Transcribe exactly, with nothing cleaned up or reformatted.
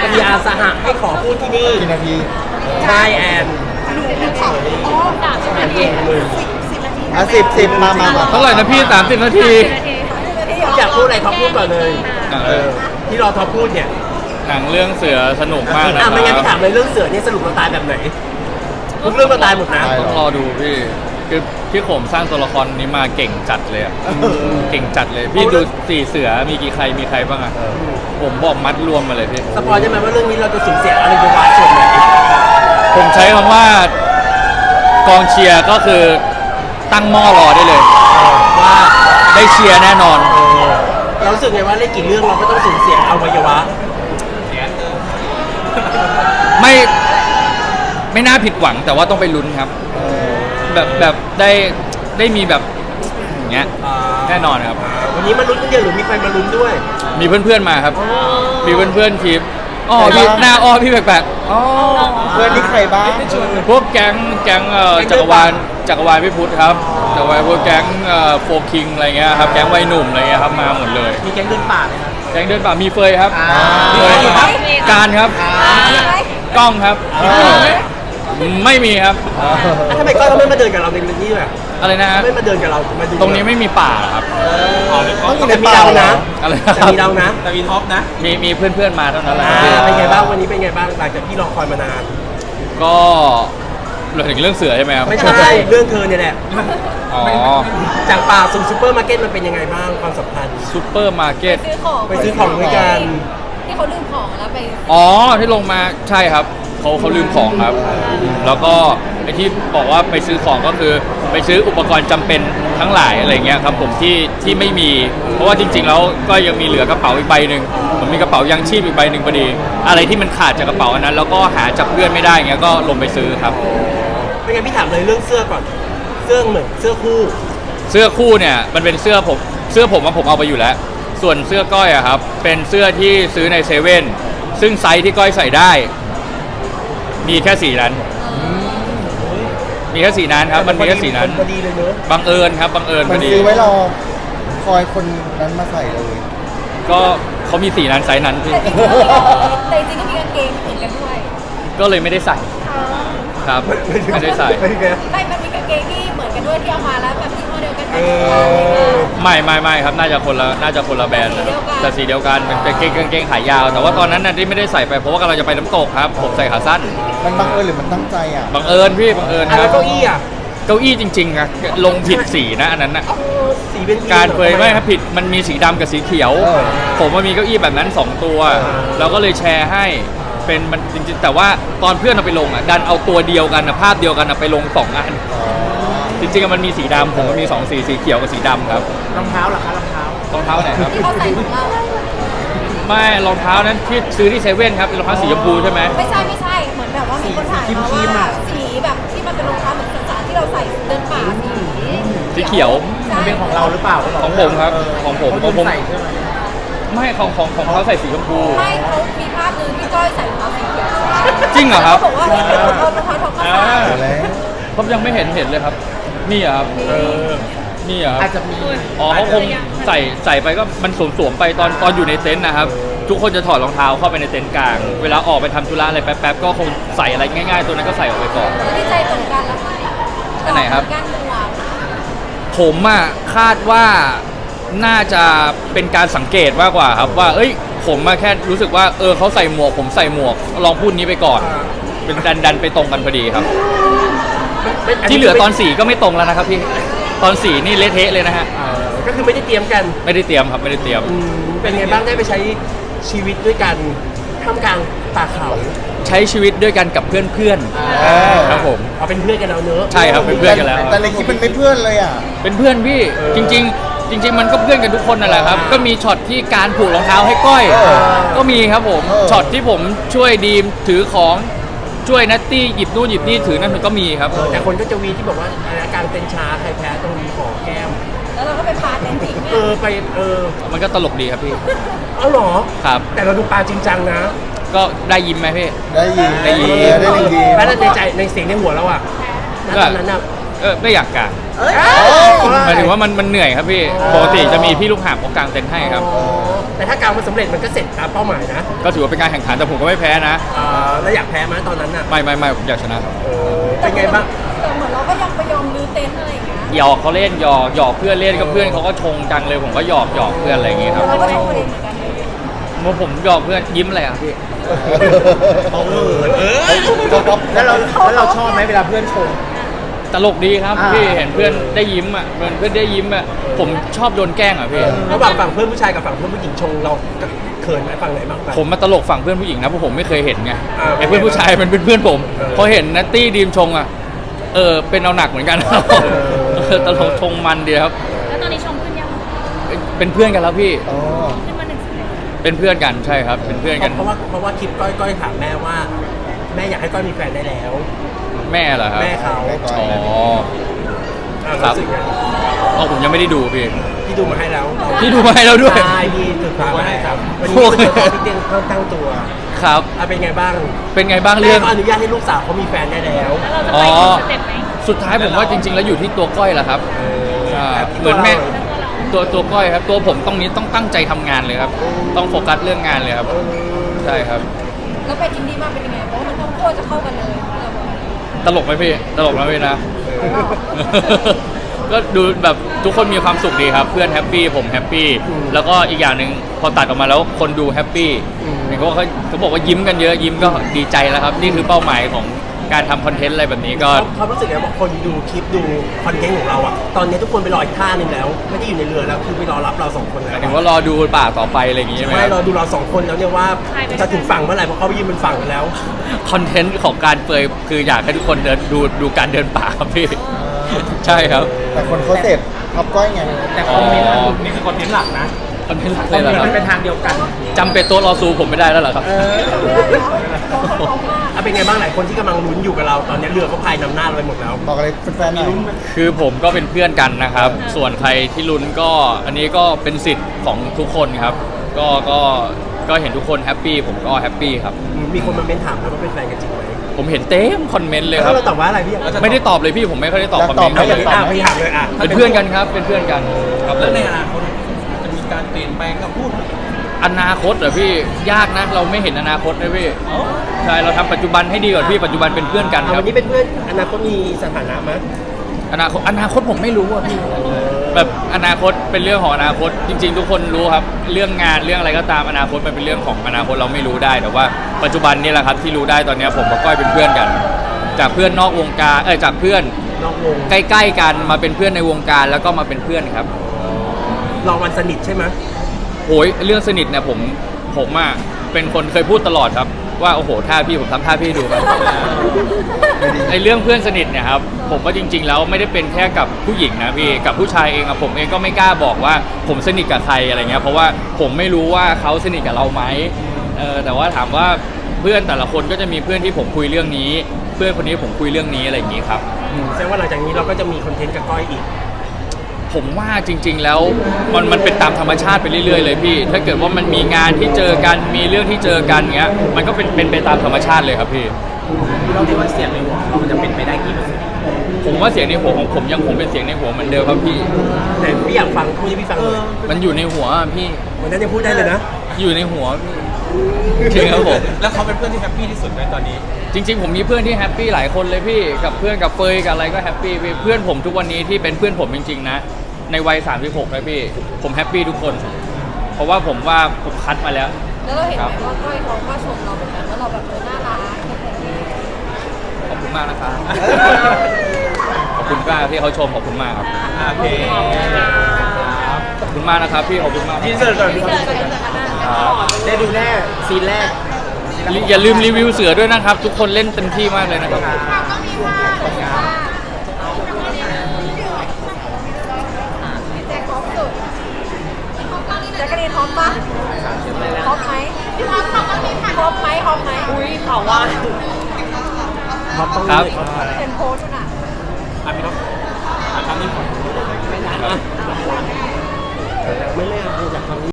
จะมีอาสหะให้ขอพูดที่นี่กี่นาทีใช่แอนสามสิบนาทีอ่ะสิบสิบมามามาเท่าไหร่นะพี่สามสิบนาทีอยากพูดอะไรท็อปพูดก่อนเลยอ่ะเออที่รอท็อปพูดเนี่ยหนังเรื่องเสือสนุกมากนะคอ่ะรับไม่งั้นพี่ถามเลยเรื่องเสือเนี่ยสรุปเราตายแบบไหนทุกเรื่องเราตายหมดนะต้องรอดูพี่คือพี่โขมสร้างตัวละครนี้มาเก่งจัดเลยอะเก่งจัดเลยพี่ดูสี่เสือมีกี่ใครมีใครบ้างอะผมบอกมัดรวมมาเลยพี่สปอยได้ไหมว่าเรื่องนี้เราจะสูญเสียอะไรไปบ้างส่วนไหนผมใช้คำว่ากองเชียร์ก็คือตั้งหม้อรอได้เลยว่าได้เชียร์แน่นอนเรารู้สึกไงว่าเล่นกี่เรื่องเราก็ต้องสูญเสียอวัยวะไม่ไม่น่าผิดหวังแต่ว่าต้องไปลุ้นครับ แบบแบบได้ได้มีแบบอย่างเงี้ยแน่นอนครับวันนี้มาลุ้นกันเยอะหรือมีใครมาลุ้นด้วยมีเพื่อนๆมาครับ มีเพื่อนๆทีมอ๋อพี่หน้าอ้อพี่แปลกๆอ๋อเพื่อนนี่ใครบ้างพวกแก๊งแก๊งเอ่อจักรวาลจักรวาลพี่พุทธครับจักรวาลพวกแก๊งเอ่อโฟคิงอะไรเงี้ยครับแก๊งวัยหนุ่มอะไรเงี้ยครับมาหมดเลยมีแก๊งเดินป่าไหมครับแก๊งเดินป่ามีเฟยครับอ่าเฟยมีครับการครับกล้องครับ ไม่มีครับอ่ะทำไมก้อยเขาไม่มาเดินกับเราในเรื่องนี้ด้วยอ่ะอะไรนะฮะไม่มาเดินกับเรามาดูตรงนี้ไม่มีป่าเหรอครับต้องอยู่ในแต่มีป่าเราเหรนะออะไรแต่มีเรานะแต่มีท็อปนะมีมีเพื่อนๆมาเท่านั้นแหละอ่าเป็นไงบ้างวันนี้เป็นไงบ้างหลังจากที่รอคอยมานานก็เราถึงเรื่องเสือใช่ไหมครับไม่ใช่เรื่องเธอเนี่ยแหละอ๋อจากป่าสู่ซูเปอร์มาร์เก็ตมันเป็นยังไงบ้างความสัมพันธ์ซูเปอร์มาร์เก็ตซื้อของไปซื้อของด้วยกันที่เขาลืมของแล้วไปอ๋อที่ลงมาใช่ครับเขาเขาลืมของครับ แล้วก็ไอที่บอกว่าไปซื้อของก็คือไปซื้ออุปกรณ์จำเป็นทั้งหลายอะไรเงี้ยครับผมที่ที่ไม่มี เพราะว่าจริงๆแล้วก็ยังมีเหลือกระเป๋าอีกใบหนึ่งผมมีกระเป๋ายังชีพอีกใบหนึ่งพอดี อะไรที่มันขาดจากกระเป๋าอันนั้น แล้วก็หาจากเพื่อนไม่ได้เงี้ยก็ลงไปซื้อครับไม่งั้นพี่ถามเลยเรื่องเสื้อก่อน เสื้อเหมือนเสื้อคู่เสื้อคู่เนี่ยมันเป็นเสื้อผมเสื้อผมว่าผมเอาไปอยู่แล้ว ส่วนเสื้อก้อยอะครับเป็นเสื้อที่ซื้อในเซเว่นซึ่งไซส์ที่ก้อยใส่ได้ มีแค่สีนั้น มีแค่สีนั้นครับ มันมีแค่สีนั้นพอดีเลยเนอะบังเอิญครับบังเอิญพมัอน ดีซื้อไว้รอคอยคนนั้นมาใส่เลยก็เขามีสีนั้นไซส์นั้นพี่แต่จริงๆก็มีกางเกงเหมือนกันด้วยก็เลยไม่ได้ใส่ครับไม่ได้ใส่ไม่ได้ไม่มันมีกางเกงที่เหมือนกันด้วยที่เอามาแล้วแบบที่ห้อเดียวกันเออไม่ไม่ไม่ครับน่าจะคนละน่าจะคนละแบรนด์นะแต่สีเดียวกันเป็นกางเกงกางเกงขายาว แต่ว่าตอนนั้นน่ะที่ไม่ได้ใส่ไปเพราะว่ากำลังจะไปน้ำตกครับ ผมใส่ขาสั้นมันบังเอิญหรือมันตั้งใจอ่ะบังเอิญพี่บังเอิญอ่ะคแล้รัวบเก้าอี้อ่ะเก้าอี้จริงๆอะลงผิดสีนะอันนั้นน่ะสีเป็นการเฟยไม่ครับผิดมันมีสีดำกับสีเขียวเออผมมันมีเก้าอี้แบบนั้นสองตัวเราก็เลยแชร์ให้เป็นมันจริงๆแต่ว่าตอนเพื่อนเอาไปลงอ่ะดันเอาตัวเดียวกันนะภาพเดียวกันนะไปลงสองอันจริงๆมันมีสีดำผมก็มีสองสีสีเขียวกับสีดำครับรองเท้าเหรอคะรองเท้ารองเท้าไหนครับที่เขาใส่ของเราไม่รองเท้านั้นที่ซื้อที่เซเว่นครับเป็นรองเท้าสีชมพูใช่ไหมไม่ใช่ไม่ใช่เหมือนแบบว่ามีคนถ่ายมาว่าสีแบบที่มันเป็นรองเท้าเหมือนสารที่เราใส่เดินป่าสีสีเขียวมันเป็นของเราหรือเปล่าของผมครับของผมของผมไม่ของของของเขาใส่สีชมพูไม่เขามีภาพหนึงที่ก้อยใส่รองเท้าสีเขียวจริงเหรอครับเขาบอกว่าเนี่ยเป็นรองเท้ารองเท้าทองคำอ่าใส่แล้วผมยังไม่เห็นเห็นเลยครับนี่เหรอครับเออนี่เหรอครับอาจจะมีอ๋อเขาคงใส่ใส่ไปก็มันสวมๆไปตอนตอนอยู่ในเต็นท์นะครับ ทุกคนจะถอดรองเท้าเข้าไปในเต็นท์กลาง เวลาออกไปทำธุระอะไรแป๊บๆก็คงใส่อะไรง่ายๆ ตัวนั้นก็ใส่ออกไปก่อนที่ใจตรงกันแล้วอันไหนครับการหมวกผมอ่ะคาดว่าน่าจะเป็นการสังเกตมากกว่าครับว่า เอ้ย ผมมาแค่รู้สึกว่าเออเขาใส่หมวก ผมใส่หมวกลองพูดนี้ไปก่อน เป็นดันดันไปตรงกันพอดีครับ ที่เหลือตอนสีก็ไม่ตรงแล้วนะครับพี่ตอนสีนี่เละเทะเลยนะฮะเออก็คือไม่ได้เตรียมกันไม่ได้เตรียมครับไม่ได้เตรียมอืมเป็นไงบ้างได้ไปใช้ชีวิตด้วยกันท่ามกลางป่าเขาใช้ชีวิตด้วยกันกับเพื่อนเออๆครับผมเอาเป็นเพื่อนกันแล้วเนอะใช่ครับเป็นเพื่อนกันแล้วแต่ในคลิปมันไม่เพื่อนเลยอ่ะเป็นเพื่อนพี่จริง ๆ จริง ๆ มันก็เพื่อนกันทุกคนนั่นแหละครับ ก็มีช็อตที่การผูกรองเท้าให้ก้อยเออก็มีครับผมเออช็อตที่ผมช่วยดีมถือของช่วยนัตตี้หยิบนู่นหยิบนี่ถือนั่นมันก็มีครับแต่คนก็จะวีที่บอกว่าอาการเต้นช้าใครแพ้ตรงนี้ขอแก้มแล้วเราก็ไปพาเต็นท์ทิ้งเอเนี่ยอไปเออมันก็ตลกดีครับพี่เอาเหรอครับแต่เราดูปลาจริงจังนะก็ได้ยิ้มไหมพี่ได้ยินได้ยินเออได้ยินแล้วในใจในเสียงในหัวเราอะณตอนนั้นอะเออไม่อยากกางเเอ้ยหมายถึงว่ามันมันเหนื่อยครับพี่ปกติจะมีพี่ลูกหาบเขากางเต็นท์ให้ครับแต่ถ้ากางมันสำเร็จมันก็เสร็จตามเป้าหมายนะก็ถือว่าเป็นการแข่งขันแต่ผมก็ไม่แพ้นะอ่าแล้วอยากแพ้ไหมตอนนั้นน่ะไม่ไม่ไม่ผมอยากชนะครับเป็นไงบ้างแต่เหมือนเราก็ยังไปยอมรื้อเต็นท์อะไรอย่างเงี้ยหยอกเขาเล่นหยอกหยอกเพื่อนเล่นก็เพื่อนเขาก็ชงจังเลยผมก็หยอกหยอกเพื่อนอะไรอย่างเงี้ยครับเราก็ชมตัวเองเหมือนกันเลยเมื่อผมหยอกเพื่อนยิ้มอะไรอ่ะพี่เอาเออเออแล้วเราแล้วเราชอบไหมเวลาเพื่อนชมตลกดีครับอ่าพี่เห็นเพื่อนได้ยิ้มอ่ะเพื่อนเพื่อนได้ยิ้มอ่ะผมชอบโดนแกล้งอ่ะพี่ระหว่างฝั่งเพื่อนผู้ชายกับฝั่งเพื่อนผู้หญิงชงเราเขินไหมฝั่งไหนบ้างผมมาตลกฝั่งเพื่อนผู้หญิงนะเพราะผมไม่เคยเห็นไงอ่าไอ้เพื่อนผู้ชายมันเป็นเพื่อนผมเออพอเห็นนัตตี้ดีมชงอ่ะเออเป็นเอาหนักเหมือนกันครับเออเออตลกชงมันดีครับแล้วตอนนี้ชมขึ้นยังเป็นเพื่อนกันแล้วพี่อ๋อขึ้นมาหนึ่งสิบเลยเป็นเพื่อนกันใช่ครับ เป็นเพื่อนกันเพราะว่าเพราะว่าคลิปก้อยก้อยถามแม่ว่า แม่อยากให้ก้อยมีแฟนได้แล้วแม่เหรอครับแม่เขาแม่ก้อยอ๋ออ่าครับรู้สึกไงอ๋อผมยังไม่ได้ดูพี่พี่ดูมาให้แล้วพี่ดูมาให้เราด้วยใช่พี่ศึกษามาให้ครับวันนี้โอ้คุณยจะพี่เตียงเพิ่มตั้งตัวครับอ่ะเป็นไงบ้างเป็นไงบ้างแม่เรื่องก็อนุญาตให้ลูกสาวเขามีแฟนได้แล้วแล้วเราจะอ๋ไปอถึงสเต็ปไหนสุดท้ายผมว่าจริง ๆ แล้วอยู่ที่ตัวก้อยแหละครับใช่เหมือนแม่ตัวตัวก้อยครับ ตัวผมต้องนี้ต้องตั้งใจทำงานเลยครับ ต้องโฟกัสเรื่องงานเลยครับ ใช่ครับแล้วไปอินดี้มาเป็นยังไงเพราะว่ามันทั้งคู่จะเข้ากันเลยเราบอกตลกไหมพี่ ตลกไหมพี่นะ ก็ดูแบบทุกคนมีความสุขดีครับ เพื่อนแฮปปี้ผมแฮปปี้แล้วก็อีกอย่างหนึ่งพอตัดออกมาแล้วคนดูแฮปปี้เห็นเขาเขาเขาบอกว่ายิ้มกันเยอะยิ้มก็ดีใจแล้วครับ นี่คือเป้าหมายของการทำคอนเทนต์อะไรแบบนี้ก็เขารู้สึกไงบอกคนดูคลิปดูคอนเทนต์ของเราอะตอนนี้ทุกคนไปรออีกท่าหนึ่งแล้ว ไม่ได้อยู่ในเรือแล้วคือไปรอรับเราสองคนหแล้มายว ถึงว่ารอดูป่าต่อไปอะไรอย่างงี้ใช่ไหมไม่รอดูเราสองคนแล้วเนี่ยว่าจะถึงฝั่งเมื่อไหร่เพราะเขาไปยืนบนฝั่งกันแล้วคอนเทนต์ของการเปยคืออยากให้ทุกคนเดินดูดูการเดินป่าครับพี่ ใช่ครับแต่คนเขาเสพท็อปก้อยไงแต่คอมเมนต์นี่คือคอนเทนต์หลักนะคอนเทนต์หลักเลยเหรอครับมันเป็นทางเดียวกันจำเป็นตัวรอซูผมไม่ได้แล้วเหรอครับไม่ได้แล้วเขาเขาเขามากอ่ะเป็นไงบ้างหลายคนที่กำลังลุ้นอยู่กับเราตอนนี้เรือเขาพายนำหน้าเราไปหมดแล้วบอกอะไรแฟนๆหน่อยคือผมก็เป็นเพื่อนกันนะครับ ส่วนใครที่ลุ้นก็อันนี้ก็เป็นสิทธิ์ของทุกคนครับ ก็ก็ก็เห็นทุกคนแฮปปี้ผมก็แฮปปี้ครับมีคนมาเม้นถามแล้วว่าเป็นแฟนกันจริงไหมผมเห็นเต็มคอมเมนต์เลยคแล้รับวเราตอบว่าอะไรพี่ไม่ได้ตอบเลยพี่ผมไม่ค่อยได้ตอบอยากคอมตเมอบนต์ไหมอ่ะอย่างนี้อ่ะพี่ถามเลยอ่ะเป็นเพื่อนกันครับเป็นเพื่อนกันครับผมในอนาคตจะมีการเปลี่ยนแปลงคำพูดอนาคตเหรอพี่ยากนะเราไม่เห็นอนาคตเลยพี่ใช่เราทำปัจจุบันให้ดีก่อนพี่ปัจจุบันเป็นเพื่อนกันคอ่ะรัวับนนี้เป็นเพื่อนอนาคตมีสถานะไหมอนาคตอนาคตผมไม่รู้อ่ะพี่แบบอนาคตเป็นเรื่องของอนาคตจริง ๆ ทุกคนรู้ครับเรื่องงานเรื่องอะไรก็ตามอนาคตมันเป็นเรื่องของอนาคตเราไม่รู้ได้แต่ว่าปัจจุบันนี่แหละครับที่รู้ได้ตอนนี้ผมกับก้อยเป็นเพื่อนกัน จากเพื่อนนอกวงการเออจากเพื่อนนอกวงใกล้ๆกันมาเป็นเพื่อนในวงการแล้วก็มาเป็นเพื่อนครับลองวันสนิทใช่ไหมโอ้ยเรื่องสนิทเนี่ยผมผมอ่ะเป็นคนเคยพูดตลอดครับว่าโอ้โหท่าพี่ผมทำท่าพี่ให้ดูครับ ไอเรื่องเพื่อนสนิทเนี่ยครับผมว่าจริง ๆ แล้วไม่ได้เป็นแค่กับผู้หญิงนะพี่กับผู้ชายเองอะผมเองก็ไม่กล้าบอกว่าผมสนิทกับใครอะไรเงี้ยเพราะว่าผมไม่รู้ว่าเขาสนิทกับเราไหมเออแต่ว่าถามว่าเพื่อนแต่ละคนก็จะมีเพื่อนที่ผมคุยเรื่องนี้ เพื่อนคนนี้ผมคุยเรื่องนี้อะไรอย่างงี้ครับแสดงว่าหลังจากนี้เราก็จะมีคอนเทนต์กับก้อยอีกผมว่าจริง ๆ แล้วมันมันเป็นตามธรรมชาติไปเรื่อยๆเลยพี่ ถ้าเกิดว่ามันมีงานที่เจอกันมีเรื่องที่เจอกันเงี้ยมันก็เป็นเป็นไปตามธรรมชาติเลยครับพี่เราคิดว่าเสียงในหัวเรามันจะเป็นไปได้กี่เปอร์เซ็นต์ผมว่าเสียงในหัวของผมยังคงเป็นเสียงในหัวเหมือนเดิมครับพี่แต่พี่อยากฟังพูดให้พี่ฟังเลยมันอยู่ในหัวอะพี่วันนั้นยังพูดได้เลยนะอยู่ในหัวพี่จริงครับผมแล้วเขาเป็นเพื่อนที่แฮปปี้ที่สุดในตอนนี้จริง ๆ ผมมีเพื่อนที่แฮปปี้หลายคนเลยพี่กับเพื่อนกับเฟยกับอะไรก็แฮปปี้พี่เพื่อนผมทุกวันนี้ที่เป็นเพื่อนผมจริงๆนะในวัยสามสิบหกเลยพี่ผมแฮปปี้ทุกคน เพราะว่าผมว่าผมคัดมาแล้วแล้วเราเห็นไหมว่าก้อยเขาก็ชมเราเหมือนกันว่าเราแบบเออน่ารักขอบคุณมากนะครับ ขอบคุณมากที่เขาชมขอบคุณมากครับโอเคขอบคุณมากนะครับพี่ขอบคุณมากยินเสิร์ตก่อนที่เจอกันจากกันหน้าได้ดูแน่ซีนแรกอย่าลืมรีวิวเสือด้วยนะครับ ทุกคนเล่นเต็มที่มากเลยนะครับแจ็คท็อปสุดแจ็คกะรีนท็อปปะท็อปไหมท็อปไหมท็อปไหมอุ้ยเขาว่าครับเป็นโพสต์น่ะอ่ะพี่น้องอ่ะคำนี้ก่อนไม่ได้ไม่เล่นอยากทำ